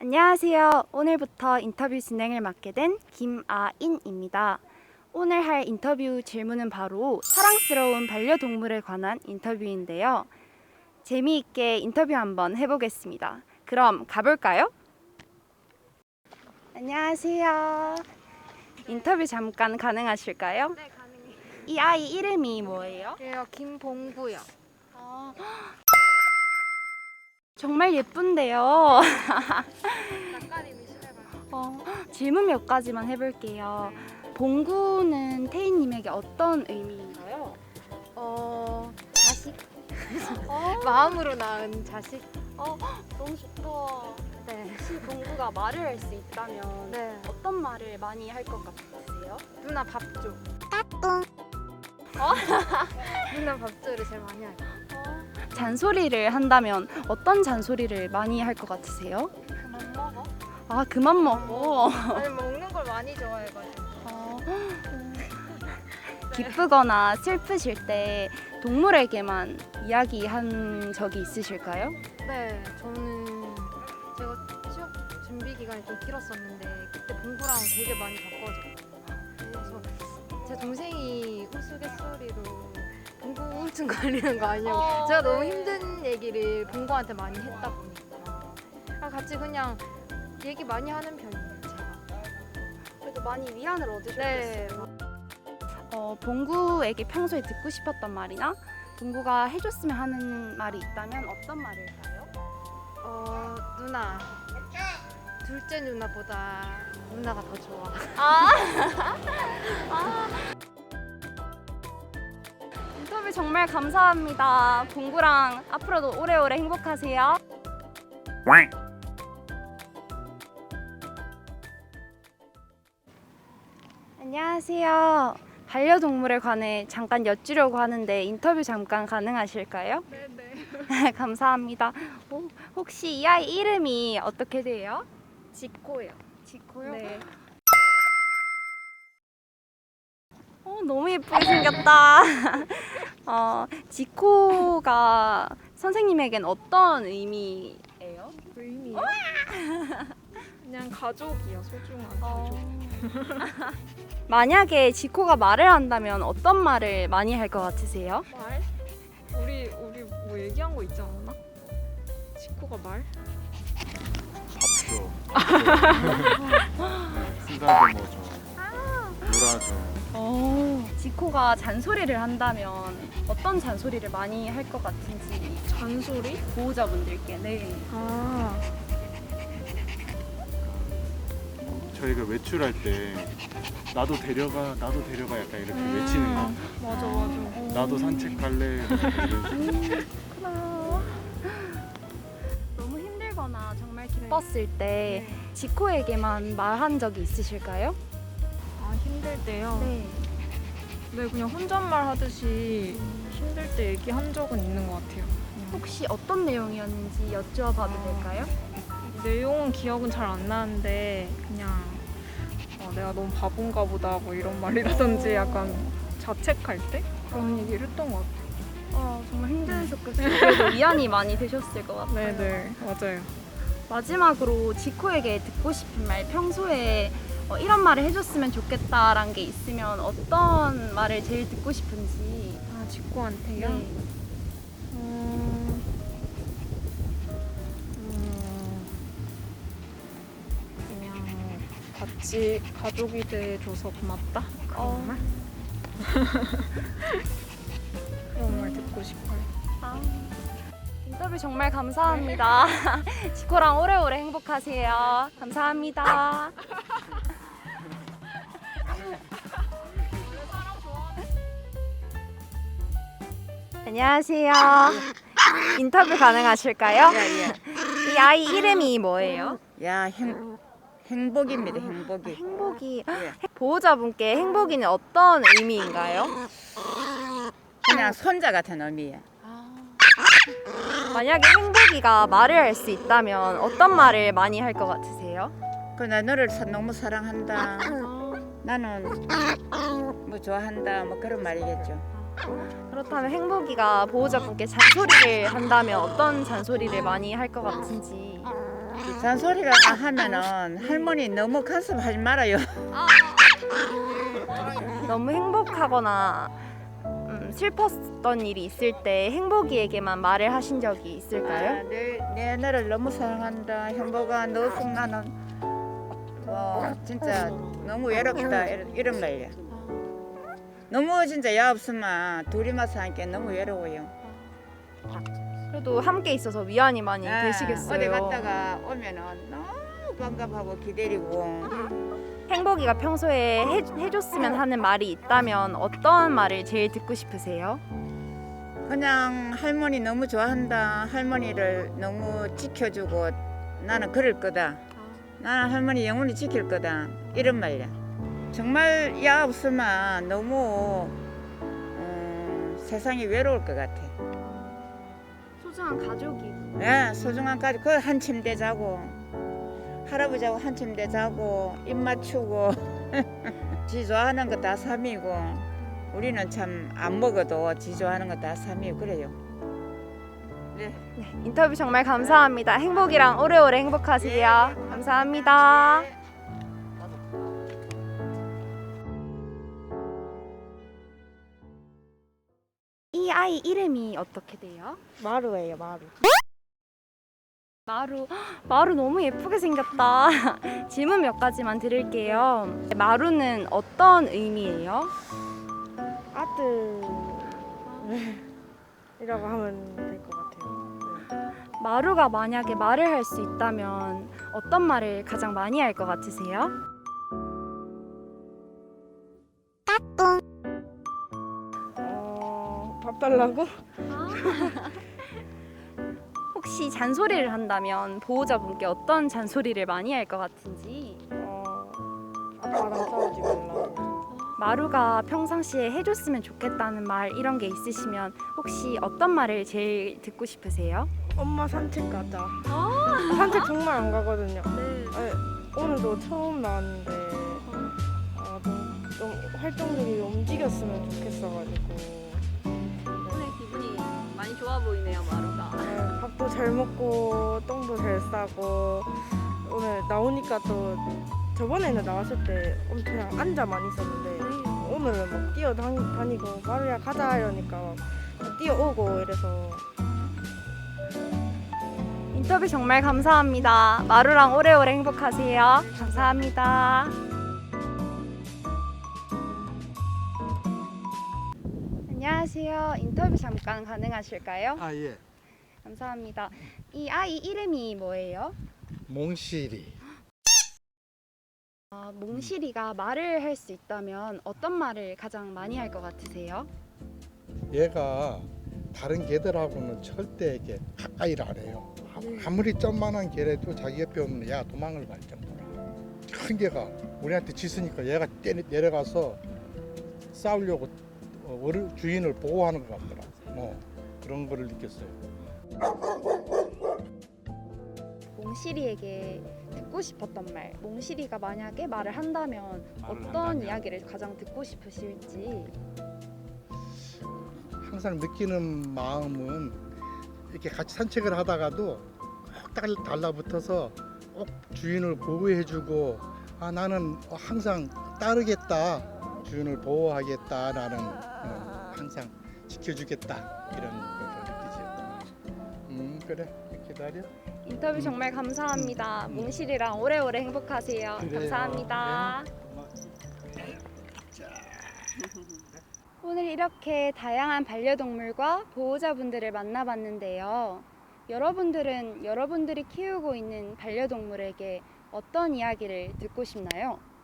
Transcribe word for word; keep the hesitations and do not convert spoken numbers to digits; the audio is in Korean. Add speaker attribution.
Speaker 1: 안녕하세요. 오늘부터 인터뷰 진행을 맡게 된 김아인입니다. 오늘 할 인터뷰 질문은 바로 사랑스러운 반려동물에 관한 인터뷰인데요. 재미있게 인터뷰 한번 해보겠습니다. 그럼 가볼까요? 안녕하세요. 인터뷰 잠깐 가능하실까요?
Speaker 2: 네, 가능해요.
Speaker 1: 이 아이 이름이 뭐예요?
Speaker 2: 예요, 김봉구요.
Speaker 1: 아, 정말 예쁜데요.
Speaker 2: 낯가림이 심해가지고.
Speaker 1: 어, 질문 몇 가지만 해볼게요. 봉구는 태희님에게 어떤 의미인가요?
Speaker 2: 어, 자식?
Speaker 1: 어,
Speaker 2: 마음으로 낳은 자식?
Speaker 1: 어, 너무 좋다.
Speaker 2: 네.
Speaker 1: 혹시 봉구가 말을 할 수 있다면
Speaker 2: 네.
Speaker 1: 어떤 말을 많이 할 것 같으세요?
Speaker 2: 누나 밥 줘.
Speaker 1: 어?
Speaker 2: 누나 밥 줘를 제일 많이 해요.
Speaker 1: 잔소리를 한다면 어떤 잔소리를 많이 할 것 같으세요?
Speaker 2: 그만 먹어?
Speaker 1: 아, 그만 먹어.
Speaker 2: 아니, 먹는 걸 많이 좋아해가지고.
Speaker 1: 어, 기쁘거나 슬프실 때 동물에게만 이야기한 적이 있으실까요?
Speaker 2: 네, 저는 제가 취업 준비 기간이 좀 길었었는데 그때 봉구랑 되게 많이 바꿔서 그래서 제 동생이 우스갯소리로 봉구 우울증 걸리는 거 아니냐고
Speaker 1: 어,
Speaker 2: 제가 너무
Speaker 1: 네.
Speaker 2: 힘든 얘기를 봉구한테 많이 했다 보니까 아, 같이 그냥 얘기 많이 하는 편이에요, 제가.
Speaker 1: 그래도 많이 위안을 얻으셨겠어요.
Speaker 2: 네.
Speaker 1: 어, 봉구에게 평소에 듣고 싶었던 말이나 봉구가 해줬으면 하는 말이 있다면 어떤 말일까요?
Speaker 2: 어, 누나. 둘째 누나보다 누나가 더 좋아.
Speaker 1: 아, 아. 인터뷰 정말 감사합니다. 봉구랑 앞으로도 오래오래 행복하세요. 안녕하세요. 반려동물에 관해 잠깐 여쭈려고 하는데 인터뷰 잠깐 가능하실까요?
Speaker 2: 네네.
Speaker 1: 감사합니다. 오, 혹시 이 아이 이름이 어떻게 돼요?
Speaker 2: 지코요.
Speaker 1: 지코요?
Speaker 2: 네.
Speaker 1: 어, 너무 예쁘게 생겼다. 어, 지코가 선생님에겐 어떤 의미예요?
Speaker 2: 의미요? 그냥 가족이요, 소중한 가족.
Speaker 1: 어... 만약에 지코가 말을 한다면 어떤 말을 많이 할 것 같으세요?
Speaker 3: 말? 우리 우리 뭐 얘기한 거 있지 않았나? 지코가 말?
Speaker 4: 밥 줘. 쓰다듬어 줘. 놀아줘.
Speaker 1: 어... 지코가 잔소리를 한다면 어떤 잔소리를 많이 할 것 같은지
Speaker 3: 잔소리?
Speaker 1: 보호자분들께. 네.
Speaker 3: 아,
Speaker 4: 저희가 외출할 때 나도 데려가, 나도 데려가 약간 이렇게 외치는 거.
Speaker 3: 맞아 맞아.
Speaker 4: 나도 산책 갈래.
Speaker 1: 그렇구나. 너무 힘들거나 정말 기뻤을 때
Speaker 2: 네.
Speaker 1: 지코에게만 말한 적이 있으실까요?
Speaker 3: 아 힘들 때요?
Speaker 1: 네.
Speaker 3: 네 그냥 혼잣말 하듯이 힘들 때 얘기한 적은 있는 것 같아요. 그냥.
Speaker 1: 혹시 어떤 내용이었는지 여쭈어봐도
Speaker 3: 아.
Speaker 1: 될까요?
Speaker 3: 내용은 기억은 잘 안 나는데 그냥 어, 내가 너무 바본가 보다 뭐 이런 말이라든지 약간 자책할 때 그런 얘기를 했던 것 같아요.
Speaker 1: 어, 정말 힘드셨겠어요. 그래도 위안이 많이 되셨을 것 같아요.
Speaker 3: 네네 맞아요.
Speaker 1: 마지막으로 지코에게 듣고 싶은 말, 평소에 어, 이런 말을 해줬으면 좋겠다라는 게 있으면 어떤 말을 제일 듣고 싶은지.
Speaker 3: 아 지코한테요?
Speaker 1: 네.
Speaker 3: 음, 음, 그냥 같이 가족이 돼줘서 고맙다 그런
Speaker 1: 어.
Speaker 3: 말? 그런 말 듣고 싶어요.
Speaker 1: 아, 인터뷰 정말 감사합니다. 지코랑 오래오래 행복하세요. 감사합니다. 안녕하세요. 인터뷰 가능하실까요?
Speaker 5: 예, 예.
Speaker 1: 이 아이 이름이 뭐예요?
Speaker 5: 야, 행, 행복입니다, 행복이.
Speaker 1: 행복이.
Speaker 5: 예.
Speaker 1: 보호자분께 행복이는 어떤 의미인가요?
Speaker 5: 그냥 손자 같은 의미야.
Speaker 1: 만약에 행복이가 말을 할 수 있다면 어떤 말을 많이 할 것 같으세요?
Speaker 5: 그 나 너를 사- 너무 사랑한다. 나는 뭐 좋아한다. 뭐 그런 말이겠죠.
Speaker 1: 그렇다면 행복이가 보호자분께 잔소리를 한다면 어떤 잔소리를 많이 할 것 같은지.
Speaker 5: 잔소리를 하면은 할머니 너무 간섭하지 말아요.
Speaker 1: 너무 행복하거나 음, 슬펐던 일이 있을 때 행복이에게만 말을 하신 적이
Speaker 5: 아,
Speaker 1: 있을까요?
Speaker 5: 내, 내 너를 너무 사랑한다. 행복아, 너 꼭 나는 뭐 진짜 너무 외롭다. 이런, 이런 말이야. 너무 진짜 야 없으면 둘이만 사니까 너무 외로워요.
Speaker 1: 그래도 함께 있어서 위안이 많이
Speaker 5: 아,
Speaker 1: 되시겠어요.
Speaker 5: 어디 갔다가 오면은 너무 반갑하고 기다리고.
Speaker 1: 행복이가 평소에 해, 해줬으면 하는 말이 있다면 어떤 말을 제일 듣고 싶으세요?
Speaker 5: 그냥 할머니 너무 좋아한다. 할머니를 너무 지켜주고 나는 그럴 거다. 나는 할머니 영원히 지킬 거다. 이런 말이야. 정말 야 없으면 너무 어, 세상이 외로울 것 같아.
Speaker 1: 소중한 가족이.
Speaker 5: 예, 소중한 가족. 그 한 침대 자고 할아버지하고 한 침대 자고 입 맞추고 지 좋아하는 거 다 삼이고 우리는 참 안 먹어도 지 좋아하는 거 다 삼이고 그래요. 네.
Speaker 1: 네, 인터뷰 정말 감사합니다. 행복이랑 오래오래 행복하세요. 감사합니다. 이 아이 이름이 어떻게 돼요?
Speaker 6: 마루예요, 마루.
Speaker 1: 마루. 마루 너무 예쁘게 생겼다. 질문 몇 가지만 드릴게요. 마루는 어떤 의미예요?
Speaker 6: 아들이라고 하면 될 것 같아요. 네.
Speaker 1: 마루가 만약에 말을 할 수 있다면 어떤 말을 가장 많이 할 것 같으세요?
Speaker 6: 어, 밥 달라고?
Speaker 1: 혹시 잔소리를 한다면 보호자분께 어떤 잔소리를 많이 할 것 같은지.
Speaker 6: 어, 아빠랑 싸우지 말라고.
Speaker 1: 마루가 평상시에 해줬으면 좋겠다는 말 이런 게 있으시면 혹시 어떤 말을 제일 듣고 싶으세요?
Speaker 6: 엄마 산책 가자. 산책 정말 안 가거든요.
Speaker 1: 네.
Speaker 6: 네, 오늘도 처음 나왔는데 아, 좀, 좀 활동적이 움직였으면 좋겠어가지고
Speaker 1: 오늘 기분이 많이 좋아 보이네요, 마루가.
Speaker 6: 네, 밥도 잘 먹고 똥도 잘 싸고 오늘 나오니까 또 저번에는 나왔을 때 엄청 그냥 앉아만 있었는데 오늘은 막 뛰어다니고 마루야 가자 이러니까 막 뛰어오고 이래서
Speaker 1: 인터뷰 정말 감사합니다. 마루랑 오래오래 행복하세요. 감사합니다. 안녕하세요. 인터뷰 잠깐 가능하실까요?
Speaker 7: 아, 예.
Speaker 1: 감사합니다. 이 아이 이름이 뭐예요?
Speaker 7: 몽실이.
Speaker 1: 아, 몽실이가 말을 할 수 있다면 어떤 말을 가장 많이 할 것 같으세요?
Speaker 7: 얘가 다른 개들하고는 절대 이렇게 가까이를 안 해요. 아무리 점만한 개라도 자기 옆에 오면 얘가 도망을 갈 정도라. 큰 개가 우리한테 짖으니까 얘가 떼- 내려가서 싸우려고 어, 어르- 주인을 보호하는 것 같더라. 뭐 그런 거를 느꼈어요.
Speaker 1: 몽실이에게 듣고 싶었던 말, 몽실이가 만약에 말을 한다면
Speaker 4: 말을
Speaker 1: 어떤
Speaker 4: 한다면?
Speaker 1: 이야기를 가장 듣고 싶으실지.
Speaker 7: 항상 느끼는 마음은 이렇게 같이 산책을 하다가도 꼭 달- 달라붙어서 꼭 주인을 보호해주고 아 나는 항상 따르겠다 주인을 보호하겠다 나는 어, 항상 지켜주겠다 이런 걸 느끼죠. 음 그래 기다려.
Speaker 1: 인터뷰 정말 감사합니다. 몽실이랑 오래오래 행복하세요.
Speaker 7: 그래요.
Speaker 1: 감사합니다.
Speaker 7: 네.
Speaker 1: 오늘 이렇게 다양한 반려동물과 보호자분들을 만나봤는데요. 여러분들은 여러분들이 키우고 있는 반려동물에게 어떤 이야기를 듣고 싶나요?